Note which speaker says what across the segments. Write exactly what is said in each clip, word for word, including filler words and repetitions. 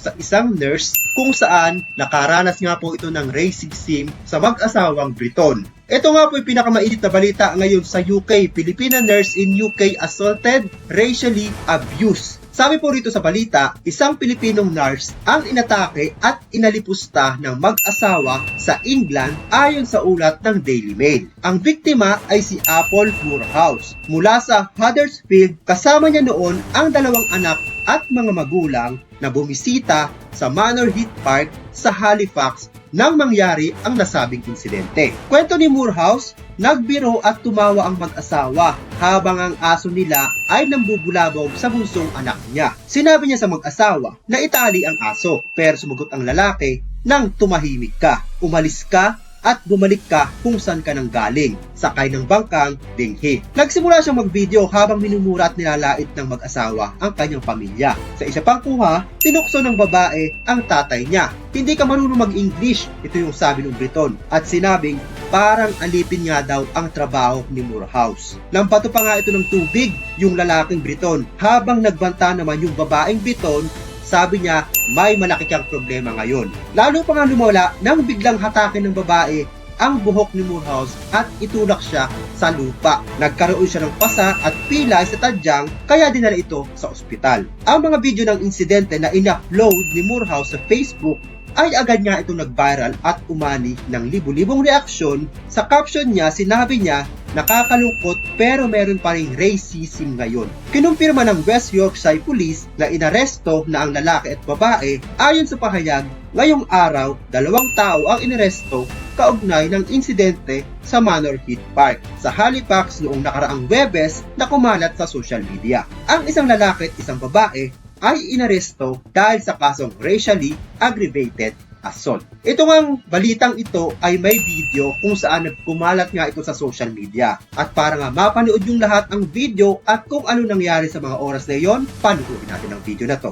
Speaker 1: sa isang nurse kung saan nakaranas nga po ito ng racism sa mag-asawang Briton. Ito nga po yung pinakamainit na balita ngayon sa U K. Filipina nurse in U K assaulted, racially abused. Sabi po rito sa balita, isang Pilipinong nurse ang inatake at inalipusta ng mag-asawa sa England ayon sa ulat ng Daily Mail. Ang biktima ay si Apple Moorhouse mula sa Huddersfield, kasama niya noon ang dalawang anak at mga magulang na bumisita sa Manor Heath Park sa Halifax nang mangyari ang nasabing insidente. Kwento ni Moorhouse, nagbiro at tumawa ang mag-asawa habang ang aso nila ay nambubulabog sa bunsong anak niya. Sinabi niya sa mag-asawa na itali ang aso, pero sumagot ang lalaki nang tumahimik ka, umalis ka at bumalik ka kung saan ka nang galing, sakay ng bangkang dinghi. Nagsimula siyang mag-video habang minumura at nilalait ng mag-asawa ang kanyang pamilya. Sa isa pang kuha, tinukso ng babae ang tatay niya. Hindi ka marunong mag-English, ito yung sabi ng Briton, at sinabing parang alipin nga daw ang trabaho ni Moorhouse. Nampato pa nga ito ng tubig yung lalaking Briton habang nagbanta naman yung babaeng Briton. Sabi niya, may malaki kang problema ngayon. Lalo pa nga lumala nang biglang hatakin ng babae ang buhok ni Moorhouse at itulak siya sa lupa. Nagkaroon siya ng pasa at pilay sa tadyang kaya dinala ito sa ospital. Ang mga video ng insidente na in-upload ni Moorhouse sa Facebook ay agad nga itong nag-viral at umani ng libu-libong reaksyon. Sa caption niya, sinabi niya, nakakalungkot pero meron pa ring racism ngayon. Kinumpirma ng West Yorkshire Police na inaresto na ang lalaki at babae. Ayon sa pahayag, ngayong araw, dalawang tao ang inaresto kaugnay ng insidente sa Manor Heath Park sa Halifax noong nakaraang Webes na kumalat sa social media. Ang isang lalaki at isang babae ay inaresto dahil sa kasong racially aggravated assault. Ito ngang balitang ito ay may video kung saan nagkumalat nga ito sa social media. At para nga mapanood yung lahat ang video at kung ano nangyari sa mga oras na yon, panoorin natin ang video na to.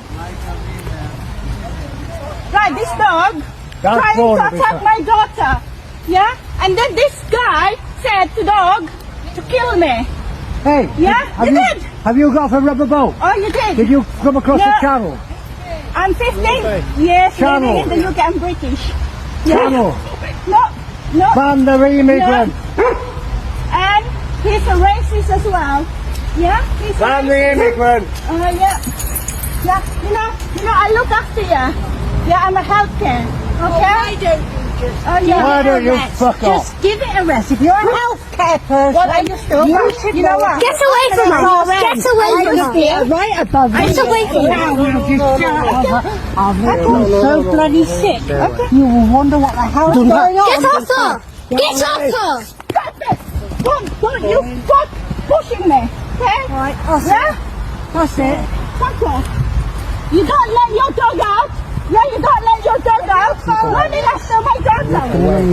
Speaker 2: Right, this dog
Speaker 3: That's
Speaker 2: trying to
Speaker 3: wrong,
Speaker 2: attack
Speaker 3: Lisa.
Speaker 2: my daughter. Yeah? And then this guy said to dog to kill me.
Speaker 3: Hey,
Speaker 2: Yeah,
Speaker 3: have
Speaker 2: you
Speaker 3: you,
Speaker 2: did.
Speaker 3: have you got off a rubber boat?
Speaker 2: Oh, you did?
Speaker 3: Did you come across
Speaker 2: Yeah.
Speaker 3: the channel?
Speaker 2: I'm fifteen. Yes,
Speaker 3: Channel.
Speaker 2: living in the U K. I'm British.
Speaker 3: Channel.
Speaker 2: No, no.
Speaker 3: Ban the immigrant.
Speaker 2: And he's a racist as well. Yeah? He's a
Speaker 3: Ban the
Speaker 2: racist.
Speaker 3: immigrant.
Speaker 2: Uh, yeah. Yeah, you know, you know, I look after you. Yeah, I'm a healthcare. Okay? Why don't you just oh, yeah.
Speaker 3: Why don't you fuck off?
Speaker 2: Just give it a rest. If you're a healthcare person,
Speaker 4: What are you still
Speaker 2: you
Speaker 4: about?
Speaker 2: should you know what?
Speaker 4: Get away from her! Get away from her!
Speaker 3: Right above you.
Speaker 4: Get away from her!
Speaker 3: I've
Speaker 2: I'm so bloody sick.
Speaker 3: You will wonder what the hell's going on.
Speaker 4: Get off her! Get off her!
Speaker 2: Stop it! Don't, don't you stop pushing me. Okay?
Speaker 3: Right, that's
Speaker 2: Yeah?
Speaker 3: it. That's it.
Speaker 2: Fuck off. You don't let your dog out. Yeah, you don't let your dog out. Running after my dog now.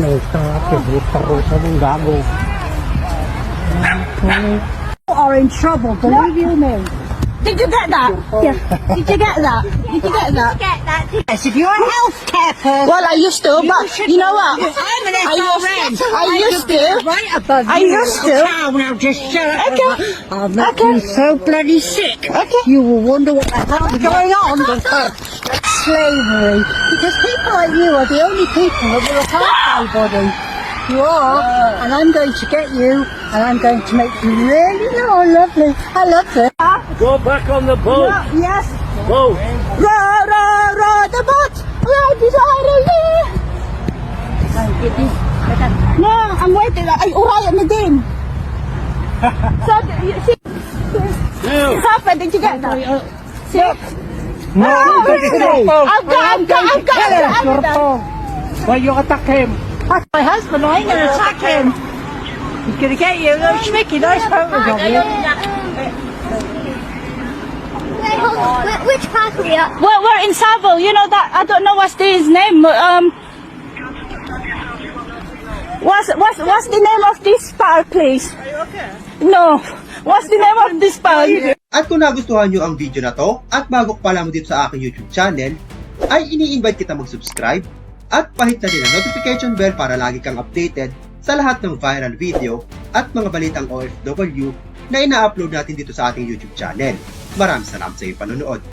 Speaker 3: You are in trouble, believe you me.
Speaker 2: Did you get that? Yeah. Did you get that? Did you get that?
Speaker 4: Get that!
Speaker 2: Yes, if you're a healthcare person. Well, I used to, but you know what?
Speaker 4: I'm an
Speaker 2: I used, I used to.
Speaker 3: Right above
Speaker 2: I
Speaker 3: you.
Speaker 2: used to.
Speaker 3: Now just shut up.
Speaker 2: Okay.
Speaker 3: I'll make
Speaker 2: Okay.
Speaker 3: you so bloody sick.
Speaker 2: Okay.
Speaker 3: You will wonder what the hell's going on. Slavery. Because people like you are the only people that will help anybody. You are, and I'm going to get you, and I'm going to make you really oh, lovely. I love it.
Speaker 5: Go back on the boat.
Speaker 2: Yes.
Speaker 5: Boat.
Speaker 2: Row, row, row the boat. Right beside you. No, I'm waiting. Ay, uraya na din. So, you see,
Speaker 5: Now.
Speaker 2: Papa, did you get that? See?
Speaker 3: No,
Speaker 2: Oh,
Speaker 3: don't do
Speaker 2: I've
Speaker 3: it.
Speaker 2: got, I've got, I've got, I've got, I've got.
Speaker 3: Why you attack him?
Speaker 2: That's my husband. I ain't gonna attack him.
Speaker 3: He's gonna get you. Little schmicky, nice photos of you.
Speaker 4: Wh- Which part are we at?
Speaker 2: Well, we're in Savile. You know that. I don't know what's his name. Um, what's what's what's the name of this park, please? Are you okay? No. What's the name of this park?
Speaker 1: At kung nagustuhan nyo ang video na to at bago pa lang dito sa aking YouTube channel, ay ini-invite kita mag-subscribe at pahit na din ang notification bell para lagi kang updated sa lahat ng viral video at mga balitang O F W na ina-upload natin dito sa ating YouTube channel. Maraming salamat sa iyong panonood.